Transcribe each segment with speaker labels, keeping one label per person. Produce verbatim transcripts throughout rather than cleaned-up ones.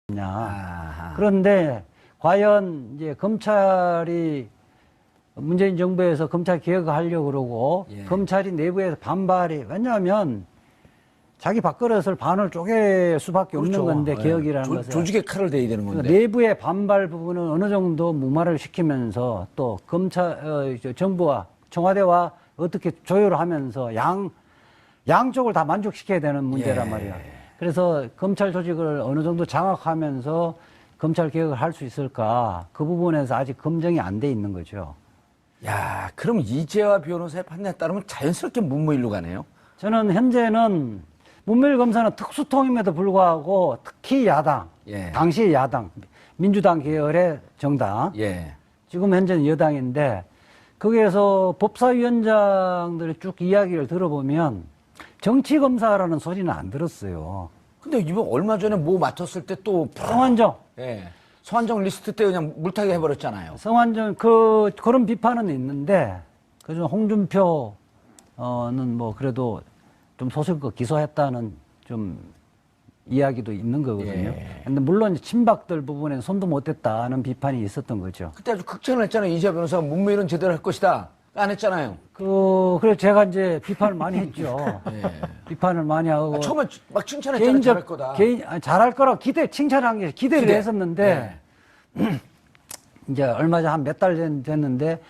Speaker 1: 아하. 그런데 과연 이제 검찰이 문재인 정부에서 검찰 개혁을 하려고 그러고 예. 검찰이 내부에서 반발이 왜냐하면 자기 밥그릇을 반을 쪼갤 수밖에 그렇죠. 없는 건데 개혁이라는
Speaker 2: 조,
Speaker 1: 것은
Speaker 2: 조직의 칼을 대야 되는 건데
Speaker 1: 내부의 반발 부분은 어느 정도 무마를 시키면서 또 검찰 어, 정부와 청와대와 어떻게 조율을 하면서 양 양쪽을 다 만족시켜야 되는 문제란 예. 말이야. 그래서 검찰 조직을 어느 정도 장악하면서 검찰 개혁을 할 수 있을까 그 부분에서 아직 검증이 안 돼 있는 거죠.
Speaker 2: 야, 그럼 이재화 변호사의 판단에 따르면 자연스럽게 문무일로 가네요.
Speaker 1: 저는 현재는 문무일 검사는 특수통임에도 불구하고 특히 야당,
Speaker 2: 예.
Speaker 1: 당시 야당, 민주당 계열의 정당,
Speaker 2: 예.
Speaker 1: 지금 현재는 여당인데 거기에서 법사위원장들의 쭉 이야기를 들어보면 정치검사라는 소리는 안 들었어요.
Speaker 2: 근데 이번 얼마 전에 뭐 맡았을 때 또
Speaker 1: 성환정.
Speaker 2: 예. 성환정 리스트 때 그냥 물타기 해버렸잖아요.
Speaker 1: 성환정 그 그런 비판은 있는데 그중 홍준표는 뭐 그래도 좀 소속거 기소했다는 좀 이야기도 있는 거거든요.
Speaker 2: 예.
Speaker 1: 근데 물론 친박들 부분에 손도 못 댔다는 비판이 있었던 거죠.
Speaker 2: 그때 아주 극찬을 했잖아요. 이재화 변호사가 문무일은 제대로 할 것이다. 안 했잖아요.
Speaker 1: 그, 그래서 제가 이제 비판을 많이 했죠.
Speaker 2: 예.
Speaker 1: 비판을 많이 하고.
Speaker 2: 아, 처음에 막 칭찬했잖아요. 잘할 거다.
Speaker 1: 개인, 아니, 잘할 거라고 기대, 칭찬한 게 기대를
Speaker 2: 기대.
Speaker 1: 했었는데, 예. 이제 얼마 전 한 몇 달 됐는데,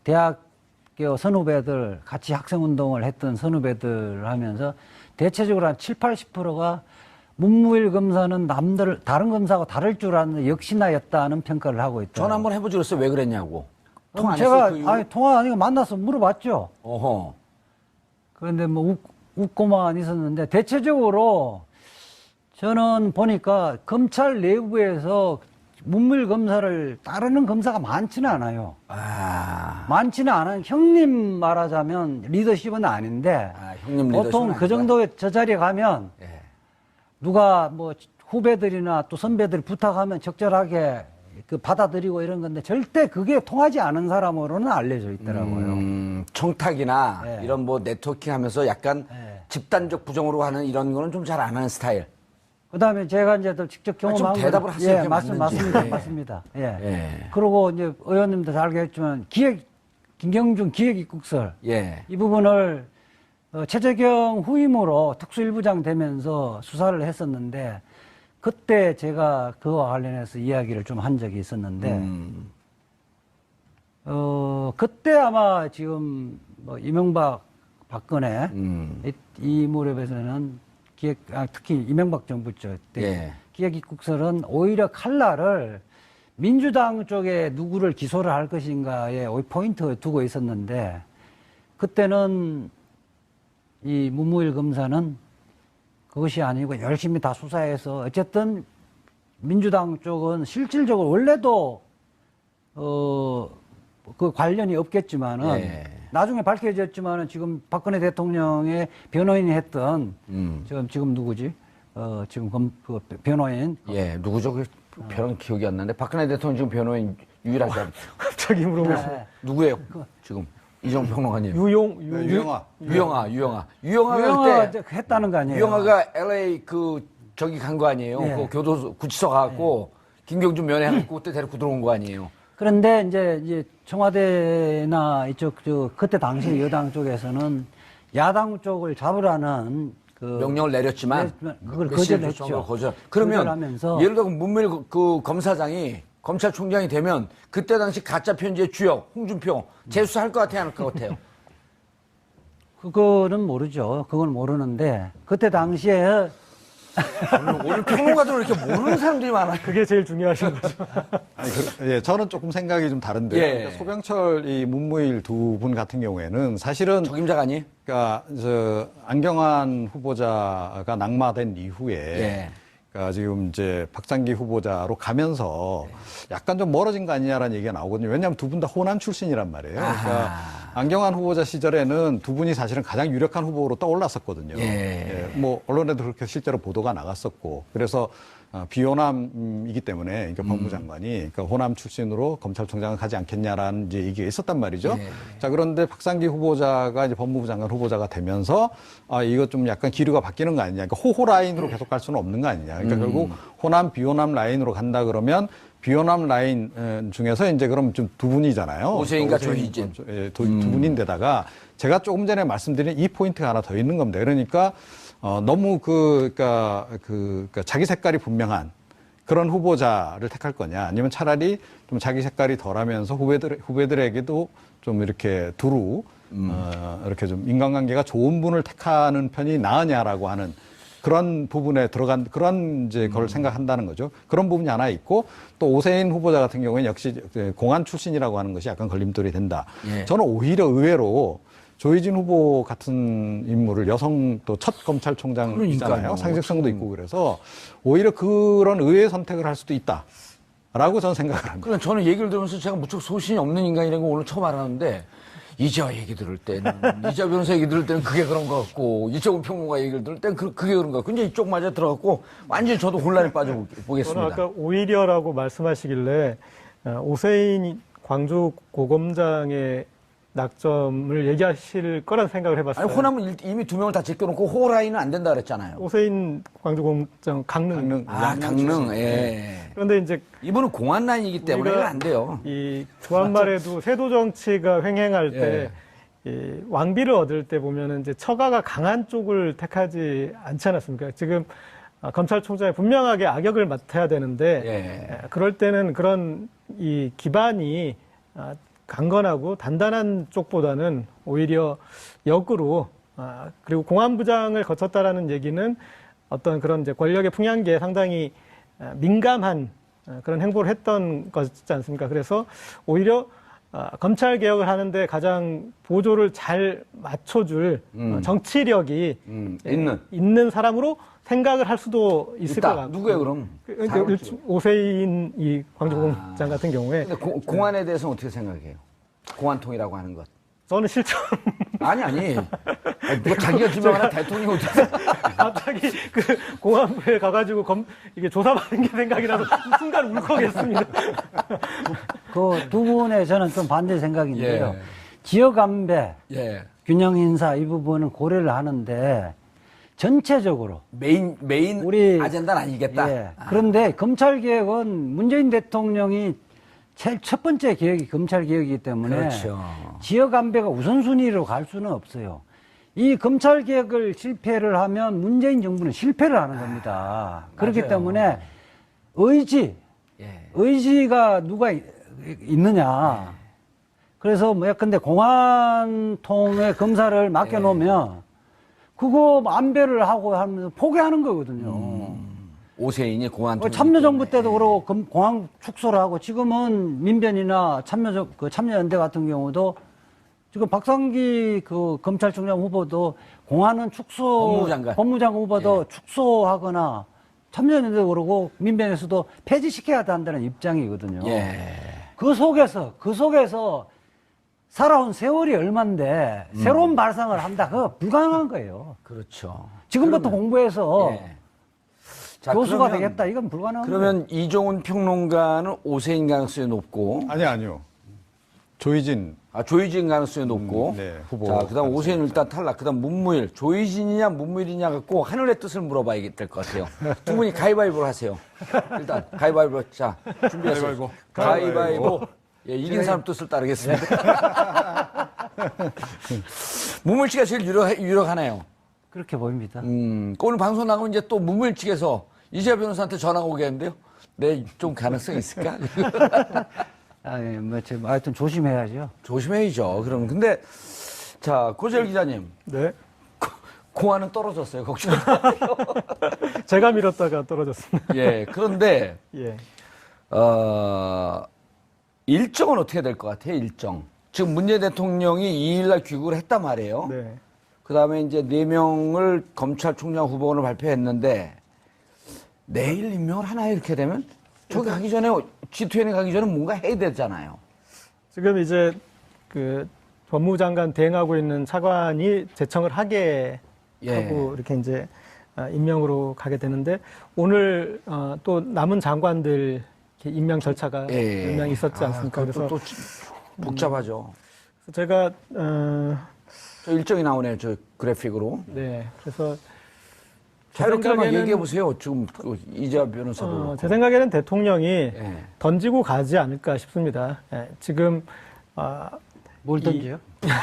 Speaker 1: 대학교 선후배들, 같이 학생운동을 했던 선후배들 하면서, 대체적으로 한 칠, 팔십 퍼센트가 문무일 검사는 남들, 다른 검사하고 다를 줄 아는 역시나였다는 평가를 하고 있다.
Speaker 2: 전화 한번 해보지 그랬어요. 왜 그랬냐고. 통화 안
Speaker 1: 제가
Speaker 2: 했어요, 그
Speaker 1: 아니 통화 아니고 만나서 물어봤죠.
Speaker 2: 어허.
Speaker 1: 그런데 뭐 웃, 웃고만 있었는데 대체적으로 저는 보니까 검찰 내부에서 문무일 검사를 따르는 검사가 많지는 않아요.
Speaker 2: 아.
Speaker 1: 많지는 않아요. 형님 말하자면 리더십은 아닌데
Speaker 2: 아, 형님 리더십은
Speaker 1: 보통 그
Speaker 2: 아니다.
Speaker 1: 정도의 저 자리에 가면
Speaker 2: 예.
Speaker 1: 누가 뭐 후배들이나 또 선배들이 부탁하면 적절하게 그 받아들이고 이런 건데 절대 그게 통하지 않은 사람으로는 알려져 있더라고요.
Speaker 2: 음, 청탁이나
Speaker 1: 네.
Speaker 2: 이런 뭐 네트워킹 하면서 약간
Speaker 1: 네.
Speaker 2: 집단적 부정으로 하는 이런 거는 좀 잘 안 하는 스타일.
Speaker 1: 그다음에 제가 이제 또 직접 경험한
Speaker 2: 아, 좀 대답을
Speaker 1: 건-
Speaker 2: 하세요.
Speaker 1: 예,
Speaker 2: 그게
Speaker 1: 맞습,
Speaker 2: 맞는지.
Speaker 1: 맞습니다.
Speaker 2: 예.
Speaker 1: 맞습니다. 예.
Speaker 2: 예.
Speaker 1: 그리고 이제 의원님도 잘 알겠지만 기획 김경준 기획입국설
Speaker 2: 예.
Speaker 1: 이 부분을 어, 최재경 후임으로 특수일부장 되면서 수사를 했었는데 그때 제가 그와 관련해서 이야기를 좀 한 적이 있었는데
Speaker 2: 음.
Speaker 1: 어 그때 아마 지금 뭐 이명박 박근혜
Speaker 2: 음.
Speaker 1: 이, 이 무렵에서는 기획 아, 특히 이명박 정부죠 때
Speaker 2: 예.
Speaker 1: 기획입국설은 오히려 칼날을 민주당 쪽에 누구를 기소를 할 것인가에 포인트를 두고 있었는데 그때는 이 문무일 검사는 그것이 아니고 열심히 다 수사해서 어쨌든 민주당 쪽은 실질적으로 원래도 어 그 관련이 없겠지만은
Speaker 2: 예.
Speaker 1: 나중에 밝혀졌지만은 지금 박근혜 대통령의 변호인이 했던
Speaker 2: 음.
Speaker 1: 지금 지금 누구지? 어 지금 검, 그 변호인
Speaker 2: 예. 누구죠? 그 별은 기억이 안 나는데 박근혜 대통령 지금 변호인 유일하게 한-
Speaker 3: 갑자기 물어보시네.
Speaker 1: 네.
Speaker 2: 누구예요? 지금 이정 평론가님.
Speaker 3: 유용, 유,
Speaker 4: 네, 유영아.
Speaker 2: 유영아, 유영아. 유영아가
Speaker 1: 유영아
Speaker 2: 그때
Speaker 1: 했다는 거 아니에요?
Speaker 2: 유영아가 엘에이 그 저기 간 거 아니에요?
Speaker 1: 예.
Speaker 2: 그 교도소 구치소 가갖고 김경준 면회하고 그때 데리고 들어온 거 아니에요?
Speaker 1: 그런데 이제 이제 청와대나 이쪽 저 그때 당시 여당 쪽에서는 야당 쪽을 잡으라는 그
Speaker 2: 명령을 내렸지만
Speaker 1: 내렸지만 그걸
Speaker 2: 메시지를
Speaker 1: 거절을
Speaker 2: 줬던
Speaker 1: 했죠.
Speaker 2: 걸 거절. 그러면
Speaker 1: 거절하면서
Speaker 2: 예를 들어 문무일 그, 그 검사장이 검찰총장이 되면 그때 당시 가짜 편지의 주역 홍준표 재수할 것 같아요, 안 할 것 같아요?
Speaker 1: 그거는 모르죠. 그건 모르는데 그때 당시에
Speaker 2: 오늘, 오늘 평론가들은 이렇게 모르는 사람들이 많아요.
Speaker 3: 그게 제일 중요하신 거죠.
Speaker 4: 아니, 그, 예, 저는 조금 생각이 좀 다른데요.
Speaker 2: 예.
Speaker 4: 그러니까 소병철 이 문무일 두 분 같은 경우에는 사실은
Speaker 2: 적임자가 아니에요?
Speaker 4: 그러니까 저 안경환 후보자가 낙마된 이후에
Speaker 2: 예.
Speaker 4: 그러니까 지금 이제 박장기 후보자로 가면서 약간 좀 멀어진 거 아니냐라는 얘기가 나오거든요. 왜냐하면 두 분 다 호남 출신이란 말이에요. 그러니까
Speaker 2: 아하.
Speaker 4: 안경환 후보자 시절에는 두 분이 사실은 가장 유력한 후보로 떠올랐었거든요.
Speaker 2: 예.
Speaker 4: 뭐 언론에도 그렇게 실제로 보도가 나갔었고 그래서 어, 비호남이기 때문에 그러니까 법무장관이 그러니까 호남 출신으로 검찰총장을 가지 않겠냐라는 이제 얘기가 있었단 말이죠.
Speaker 2: 네.
Speaker 4: 자, 그런데 박상기 후보자가 이제 법무부 장관 후보자가 되면서 아, 이거 좀 약간 기류가 바뀌는 거 아니냐. 그러니까 호호 라인으로 계속 갈 수는 없는 거 아니냐. 그러니까
Speaker 2: 음.
Speaker 4: 결국 호남 비호남 라인으로 간다 그러면 비호남 라인 어, 중에서 이제 그럼 좀 두 분이잖아요.
Speaker 2: 오세인과
Speaker 4: 오세인,
Speaker 2: 조희진.
Speaker 4: 예, 두, 두 분인데다가 제가 조금 전에 말씀드린 이 포인트가 하나 더 있는 겁니다. 그러니까 어, 너무 그, 그니까, 그, 그니까 자기 색깔이 분명한 그런 후보자를 택할 거냐, 아니면 차라리 좀 자기 색깔이 덜하면서 후배들, 후배들에게도 좀 이렇게 두루, 음. 어, 이렇게 좀 인간관계가 좋은 분을 택하는 편이 나으냐라고 하는 그런 부분에 들어간, 그런 이제 걸 음. 생각한다는 거죠. 그런 부분이 하나 있고, 또 오세인 후보자 같은 경우에는 역시 공안 출신이라고 하는 것이 약간 걸림돌이 된다.
Speaker 2: 예.
Speaker 4: 저는 오히려 의외로 조희진 후보 같은 인물을 여성 또 첫 검찰총장이잖아요.
Speaker 2: 그러니까요.
Speaker 4: 상징성도 있고 그래서 오히려 그런 의외의 선택을 할 수도 있다라고 저는 생각을 합니다.
Speaker 2: 그러니까 저는 얘기를 들으면서 제가 무척 소신이 없는 인간이라는 거 오늘 처음 알았는데 이재화 얘기 들을 때는 이재화 변호사 얘기 들을 때는 그게 그런 것 같고 이정훈 평론가 얘기를 들을 때는 그, 그게 그런 것 같고 이제 이쪽 맞아 들어갔고 완전히 저도 혼란에 빠져보겠습니다.
Speaker 3: 저는 아까 오히려라고 말씀하시길래 오세인 광주 고검장의 낙점을 얘기하실 거란 생각을 해봤어요.
Speaker 2: 아니, 호남은 이미 두 명을 다 제껴놓고 호라인은 안 된다 그랬잖아요.
Speaker 3: 오세인 광주고검장 강릉.
Speaker 4: 강릉.
Speaker 2: 아, 강릉, 예.
Speaker 3: 그런데 이제
Speaker 2: 이분은 공안 라인이기 때문에 이건 안 돼요.
Speaker 3: 이 조한말에도 세도 정치가 횡행할 때
Speaker 2: 예.
Speaker 3: 이 왕비를 얻을 때 보면은 이제 처가가 강한 쪽을 택하지 않지 않았습니까? 지금 검찰총장이 분명하게 악역을 맡아야 되는데
Speaker 2: 예.
Speaker 3: 그럴 때는 그런 이 기반이 강건하고 단단한 쪽보다는 오히려 역으로 아, 그리고 공안부장을 거쳤다라는 얘기는 어떤 그런 이제 권력의 풍향기에 상당히 아, 민감한 아, 그런 행보를 했던 것이지 않습니까? 그래서 오히려 아, 검찰 개혁을 하는데 가장 보조를 잘 맞춰줄
Speaker 2: 음.
Speaker 3: 어, 정치력이
Speaker 2: 음,
Speaker 3: 예,
Speaker 2: 있는.
Speaker 3: 있는 사람으로 생각을 할 수도 있을
Speaker 2: 있다.
Speaker 3: 것 같고.
Speaker 2: 누구예요, 그럼?
Speaker 3: 그, 그러니까 오세인 이 광주공장
Speaker 2: 아.
Speaker 3: 같은 경우에
Speaker 2: 근데 고, 공안에 대해서는 어떻게 생각해요? 공안통이라고 하는 것.
Speaker 3: 저는 실전
Speaker 2: 아니, 아니. 아니 누가 자기가 지명하는 대통령이 어떻게
Speaker 3: 갑자기 그 공안부에 가가지고 검, 이게 조사받는 게 생각이 나서 순간 울컥했습니다.
Speaker 1: 그 두 분의 저는 좀 반대 생각인데요.
Speaker 2: 예.
Speaker 1: 지역 안배,
Speaker 2: 예.
Speaker 1: 균형 인사 이 부분은 고려를 하는데 전체적으로
Speaker 2: 메인, 메인
Speaker 1: 우리
Speaker 2: 아젠다는 아니겠다.
Speaker 1: 예.
Speaker 2: 아.
Speaker 1: 그런데 검찰 개혁은 문재인 대통령이 제일 첫 번째 개혁이 검찰 개혁이기 때문에
Speaker 2: 그렇죠.
Speaker 1: 지역 안배가 우선순위로 갈 수는 없어요. 이 검찰 개혁을 실패를 하면 문재인 정부는 실패를 하는 겁니다. 그렇기
Speaker 2: 맞아요.
Speaker 1: 때문에 의지,
Speaker 2: 예.
Speaker 1: 의지가 누가 이- 있느냐. 그래서 뭐 근데 공안통에 검사를 맡겨놓으면 그거 안배를 하고 하면서 포기하는 거거든요.
Speaker 2: 오세인이 공안통.
Speaker 1: 뭐 참여정부 때도 그러고 검- 공항 축소를 하고 지금은 민변이나 참여 그 참여연대 같은 경우도 지금 박상기 그 검찰총장 후보도 공안은 축소
Speaker 2: 법무장관.
Speaker 1: 법무장관 후보도 축소하거나 참여연대도 그러고 민변에서도 폐지시켜야 한다는 입장이거든요.
Speaker 2: 예.
Speaker 1: 그 속에서 그 속에서 살아온 세월이 얼만데
Speaker 2: 음.
Speaker 1: 새로운 발상을 한다. 그거 불가능한 거예요.
Speaker 2: 그렇죠.
Speaker 1: 지금부터
Speaker 2: 그러면-
Speaker 1: 공부해서
Speaker 2: 예. 자,
Speaker 1: 교수가
Speaker 2: 그러면-
Speaker 1: 되겠다. 이건 불가능한 거예요.
Speaker 2: 그러면 이종훈 평론가는 오세인 가능성이 높고,
Speaker 4: 아니, 아니요. 조희진.
Speaker 2: 아, 조희진 가능성이 높고,
Speaker 4: 음, 네, 후보
Speaker 2: 자, 그 다음 오세인 일단 탈락, 그 다음 문무일, 조희진이냐 문무일이냐 갖고 하늘의 뜻을 물어봐야 될 것 같아요. 두 분이 가위바위보를 하세요. 일단, 가위바위보. 자, 준비하세요.
Speaker 4: 가위바위보.
Speaker 2: 가위바위보. 예, 이긴 사람 뜻을 따르겠습니다. 문무일 씨가 제일 유력, 유력하네요.
Speaker 1: 그렇게 보입니다.
Speaker 2: 음, 오늘 방송 나가면 이제 또 문무일 측에서 이재화 변호사한테 전화가 오겠는데요? 네, 좀 가능성이 있을까?
Speaker 1: 아, 예, 뭐, 지금 하여튼 조심해야죠.
Speaker 2: 조심해야죠. 그럼 근데 자 고재열 기자님
Speaker 3: 네.
Speaker 2: 공안은 떨어졌어요. 걱정.
Speaker 3: 제가 밀었다가 떨어졌습니다.
Speaker 2: 예. 그런데
Speaker 3: 예.
Speaker 2: 어, 일정은 어떻게 될 것 같아요? 일정. 지금 문재인 대통령이 이 일날 귀국을 했단 말이에요.
Speaker 3: 네.
Speaker 2: 그다음에 이제 네 명을 검찰총장 후보군을 발표했는데 내일 임명을 하나 이렇게 되면 저기 가기 전에 지투엔에 가기 전에 뭔가 해야 되잖아요.
Speaker 3: 지금 이제 그 법무장관 대행하고 있는 차관이 제청을 하게
Speaker 2: 예.
Speaker 3: 하고 이렇게 이제 아, 임명으로 가게 되는데 오늘 어, 또 남은 장관들 이렇게 임명 절차가
Speaker 2: 예.
Speaker 3: 몇 명 있었지 않습니까?
Speaker 2: 아,
Speaker 3: 그래서
Speaker 2: 또, 또 복잡하죠.
Speaker 3: 제가 어,
Speaker 2: 저 일정이 나오네요. 저 그래픽으로.
Speaker 3: 네 그래서
Speaker 2: 자유롭게 한번
Speaker 3: 생각에는-
Speaker 2: 얘기해 보세요. 지금 그 이재화 변호사도.
Speaker 3: 어,
Speaker 2: 그렇고.
Speaker 3: 제 생각에는 대통령이
Speaker 2: 예.
Speaker 3: 던지고 가지 않을까 싶습니다. 예, 지금 아,
Speaker 1: 뭘 던져요?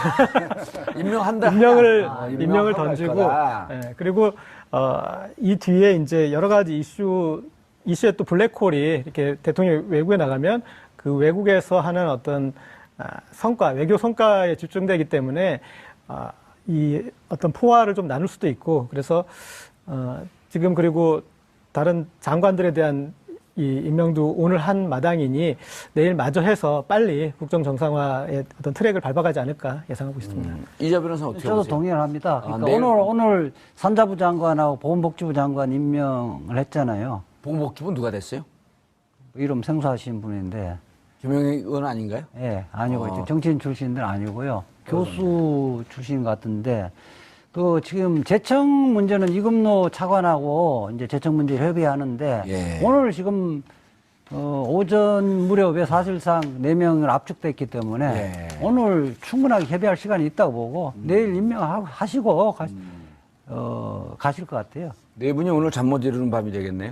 Speaker 2: 임명한다.
Speaker 3: 임명을
Speaker 2: 아,
Speaker 3: 임명을
Speaker 2: 임명하고 갈
Speaker 3: 던지고
Speaker 2: 거다.
Speaker 3: 예, 그리고 어, 이 뒤에 이제 여러 가지 이슈 이슈에 또 블랙홀이 이렇게 대통령이 외국에 나가면 그 외국에서 하는 어떤 아, 성과 외교 성과에 집중되기 때문에 아, 이 어떤 포화를 좀 나눌 수도 있고 그래서 어, 지금 그리고 다른 장관들에 대한 이 임명도 오늘 한 마당이니 내일 마저 해서 빨리 국정 정상화의 어떤 트랙을 밟아가지 않을까 예상하고 있습니다.
Speaker 2: 음, 이재화 변호사 어떻게
Speaker 1: 저도
Speaker 2: 보세요?
Speaker 1: 동의를 합니다. 그러니까
Speaker 2: 내일-
Speaker 1: 오늘 오늘 산자부 장관하고 보건복지부 장관 임명을 했잖아요.
Speaker 2: 보건복지부 누가 됐어요?
Speaker 1: 이름 생소하신 분인데,
Speaker 2: 김영희 의원 아닌가요?
Speaker 1: 예, 아니고
Speaker 2: 어.
Speaker 1: 정치인 출신들 아니고요. 교수 출신 같은데, 그 지금 재청 문제는 이금노 차관하고 이제 재청 문제 협의하는데,
Speaker 2: 예.
Speaker 1: 오늘 지금 어, 오전 무렵에 사실상 네 명을 압축됐기 때문에
Speaker 2: 예.
Speaker 1: 오늘 충분하게 협의할 시간이 있다고 보고
Speaker 2: 음.
Speaker 1: 내일 임명하시고 가, 어, 가실 것 같아요.
Speaker 2: 네 분이 오늘 잠 못 이루는 밤이 되겠네요.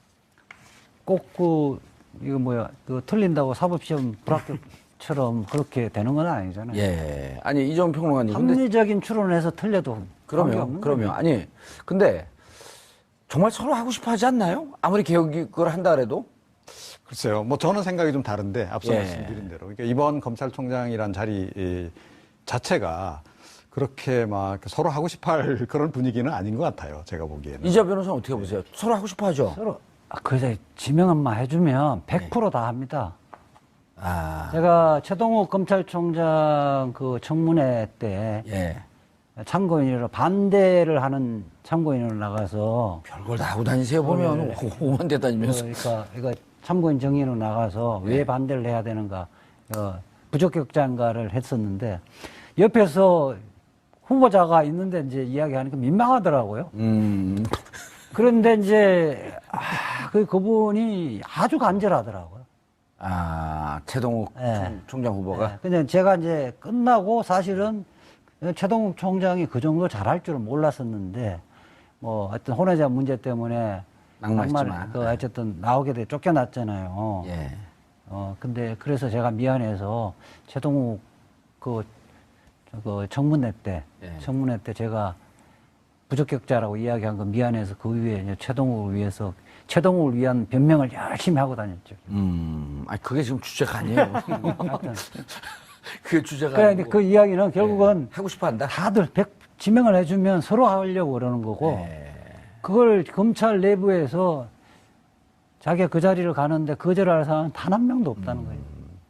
Speaker 1: 꼭 그 이거 뭐야 그 틀린다고 사법시험 불합격처럼 그렇게 되는 건 아니잖아요.
Speaker 2: 예. 아니 이재용 평론가님. 근데
Speaker 1: 합리적인 추론을 해서 틀려도
Speaker 2: 그러면
Speaker 1: 관계없는
Speaker 2: 그러면
Speaker 1: 거예요.
Speaker 2: 아니 근데 정말 서로 하고 싶어 하지 않나요? 아무리 개혁이 그걸 한다 그래도.
Speaker 4: 글쎄요. 뭐 저는 생각이 좀 다른데 앞서
Speaker 2: 예.
Speaker 4: 말씀드린 대로 그러니까 이번 검찰총장이란 자리 이 자체가 그렇게 막 서로 하고 싶어할 그런 분위기는 아닌 것 같아요. 제가 보기에는.
Speaker 2: 이재화 변호사는 어떻게 보세요? 서로 하고 싶어 하죠.
Speaker 1: 서로 아, 그래 지명만 해주면 백 퍼센트 다 합니다.
Speaker 2: 아.
Speaker 1: 제가 최동욱 검찰총장 그 청문회 때
Speaker 2: 예.
Speaker 1: 참고인으로 반대를 하는 참고인으로 나가서
Speaker 2: 별걸 다 하고 다니세요 보면 오만 대 다니면서.
Speaker 1: 그러니까 이거 참고인 정의로 나가서 왜 반대를 해야 되는가 어, 부적격자인가를 했었는데 옆에서 후보자가 있는데 이제 이야기하니까 민망하더라고요.
Speaker 2: 음.
Speaker 1: 그런데 이제 아, 그 그분이 아주 간절하더라고요.
Speaker 2: 아 최동욱
Speaker 1: 예.
Speaker 2: 총- 총장 후보가.
Speaker 1: 네. 근데 제가 이제 끝나고 사실은 최동욱 총장이 그 정도 잘할 줄은 몰랐었는데 뭐 하여튼 혼외자 문제 때문에
Speaker 2: 낙마했지만.
Speaker 1: 낙마를 그 어쨌든 나오게 돼 쫓겨났잖아요.
Speaker 2: 예.
Speaker 1: 어 근데 그래서 제가 미안해서 최동욱 그, 그 청문회 때
Speaker 2: 예.
Speaker 1: 청문회 때 제가 부적격자라고 이야기한 거 미안해서 그 위에 이제 최동욱을 위해서 최동욱을 위한 변명을 열심히 하고 다녔죠.
Speaker 2: 음. 아 그게 지금 주제가 아니에요.
Speaker 1: 하여튼
Speaker 2: 그게 주제가
Speaker 1: 그래,
Speaker 2: 아니고.
Speaker 1: 그 이야기는 결국은
Speaker 2: 하고 싶어 한다.
Speaker 1: 다들 백 지명을 해주면 서로 하려고 그러는 거고
Speaker 2: 예.
Speaker 1: 그걸 검찰 내부에서 자기가 그 자리를 가는데 거절할 사람은 단 한 명도 없다는 거예요.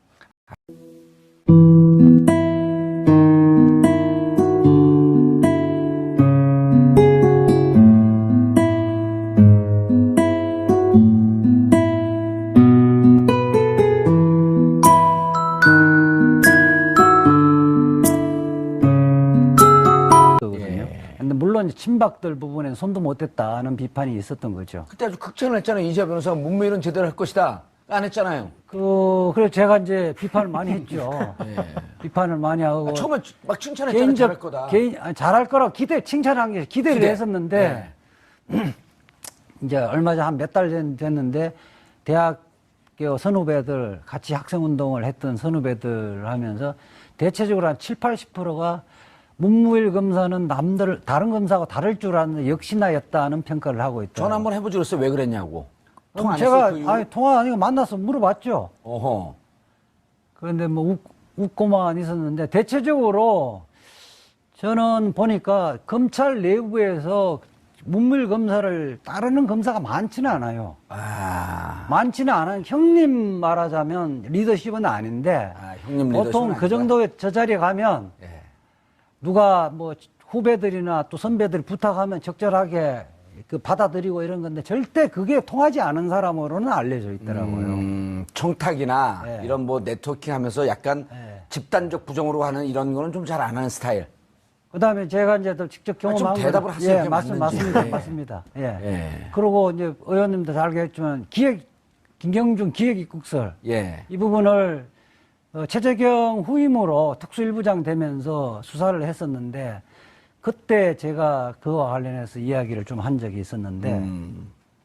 Speaker 1: 거거든요. 근데 물론 이제 친박들 부분에 손도 못 댔다는 비판이 있었던 거죠.
Speaker 2: 그때 아주 극찬을 했잖아요. 이재화 변호사가 문무일은 제대로 할 것이다. 안 했잖아요.
Speaker 1: 그, 그래서 제가 이제 비판을 많이 했죠. 비판을 많이 하고.
Speaker 2: 아, 처음에 막 칭찬했잖아요. 잘할 거다.
Speaker 1: 개인, 아니, 잘할 거라 기대, 칭찬한 게 기대를
Speaker 2: 기대.
Speaker 1: 했었는데, 이제 얼마 전 한 몇 달 됐는데, 대학교 선후배들, 같이 학생운동을 했던 선후배들 하면서, 대체적으로 한 칠, 팔십 퍼센트가 문무일 검사는 남들, 다른 검사하고 다를 줄 아는 역시나였다는 평가를 하고 있다.
Speaker 2: 전화 한번 해보지 그랬어요. 왜 그랬냐고. 통화 안
Speaker 1: 제가,
Speaker 2: 했어요? 그 이후로?
Speaker 1: 아니, 통화 아니고 만나서 물어봤죠.
Speaker 2: 어허.
Speaker 1: 그런데 뭐 웃, 웃고만 있었는데 대체적으로 저는 보니까 검찰 내부에서 문무일 검사를 따르는 검사가 많지는 않아요.
Speaker 2: 아.
Speaker 1: 많지는 않은 형님 말하자면 리더십은 아닌데
Speaker 2: 아, 형님 리더십은
Speaker 1: 보통 그
Speaker 2: 아니다.
Speaker 1: 정도의 저 자리에 가면
Speaker 2: 예.
Speaker 1: 누가 뭐 후배들이나 또 선배들이 부탁하면 적절하게 그 받아들이고 이런 건데 절대 그게 통하지 않은 사람으로는 알려져 있더라고요.
Speaker 2: 음, 청탁이나
Speaker 1: 예.
Speaker 2: 이런 뭐 네트워킹 하면서 약간
Speaker 1: 예.
Speaker 2: 집단적 부정으로 하는 이런 거는 좀 잘 안 하는 스타일.
Speaker 1: 그다음에 제가 이제 또 직접
Speaker 2: 좀
Speaker 1: 경험한 건-
Speaker 2: 대답을 하세요,
Speaker 1: 예,
Speaker 2: 그게
Speaker 1: 맞습,
Speaker 2: 맞는지.
Speaker 1: 맞습니다.
Speaker 2: 예.
Speaker 1: 맞습니다. 예.
Speaker 2: 예.
Speaker 1: 그리고 이제 의원님도 잘 알겠지만 기획 김경준 기획입국설
Speaker 2: 예.
Speaker 1: 이 부분을 어, 최재경 후임으로 특수일부장 되면서 수사를 했었는데 그때 제가 그와 관련해서 이야기를 좀 한 적이 있었는데
Speaker 2: 음.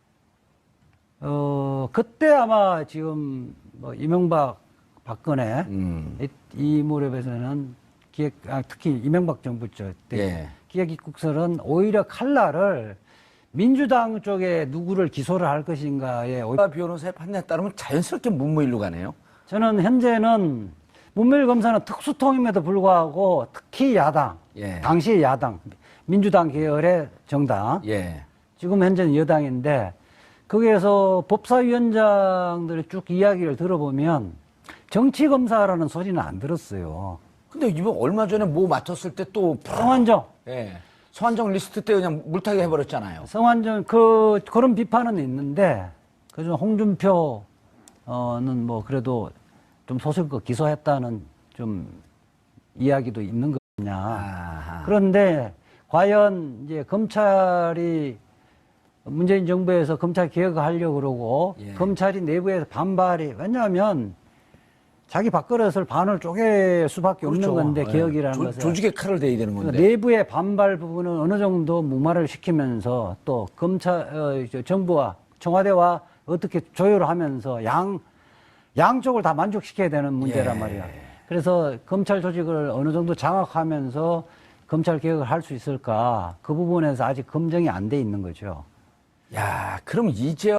Speaker 1: 어 그때 아마 지금 뭐 이명박 박근혜
Speaker 2: 음.
Speaker 1: 이, 이 무렵에서는 기획 아, 특히 이명박 정부죠 때
Speaker 2: 예.
Speaker 1: 기획입국설은 오히려 칼날을 민주당 쪽에 누구를 기소를 할 것인가에 오히려
Speaker 2: 변호사의 판단에 따르면 자연스럽게 문무일로 가네요.
Speaker 1: 저는 현재는 문밀 검사는 특수통임에도 불구하고 특히 야당,
Speaker 2: 예.
Speaker 1: 당시 야당, 민주당 계열의 정당,
Speaker 2: 예.
Speaker 1: 지금 현재는 여당인데 거기에서 법사위원장들의 쭉 이야기를 들어보면 정치검사라는 소리는 안 들었어요.
Speaker 2: 근데 이번 얼마 전에 뭐 맡았을 때 또
Speaker 1: 성환정,
Speaker 2: 예. 서한정 리스트 때 그냥 물타기 해버렸잖아요.
Speaker 1: 성환정 그 그런 비판은 있는데 그중 홍준표는 뭐 그래도 좀 소속껏 기소했다는 좀 이야기도 있는 거냐.
Speaker 2: 아하.
Speaker 1: 그런데 과연 이제 검찰이 문재인 정부에서 검찰 개혁을 하려고 그러고
Speaker 2: 예.
Speaker 1: 검찰이 내부에서 반발이 왜냐하면 자기 밥그릇을 반을 쪼갤 수밖에 없는 건데
Speaker 2: 예.
Speaker 1: 개혁이라는
Speaker 2: 조,
Speaker 1: 것은
Speaker 2: 조직의 칼을 대야 되는
Speaker 1: 그러니까
Speaker 2: 건데.
Speaker 1: 내부의 반발 부분은 어느 정도 무마를 시키면서 또 검찰 어, 저 정부와 청와대와 어떻게 조율을 하면서 양 양쪽을 다 만족시켜야 되는 문제란
Speaker 2: 예.
Speaker 1: 말이야. 그래서 검찰 조직을 어느 정도 장악하면서 검찰 개혁을 할 수 있을까 그 부분에서 아직 검증이 안 돼 있는 거죠.
Speaker 2: 야, 그럼 이제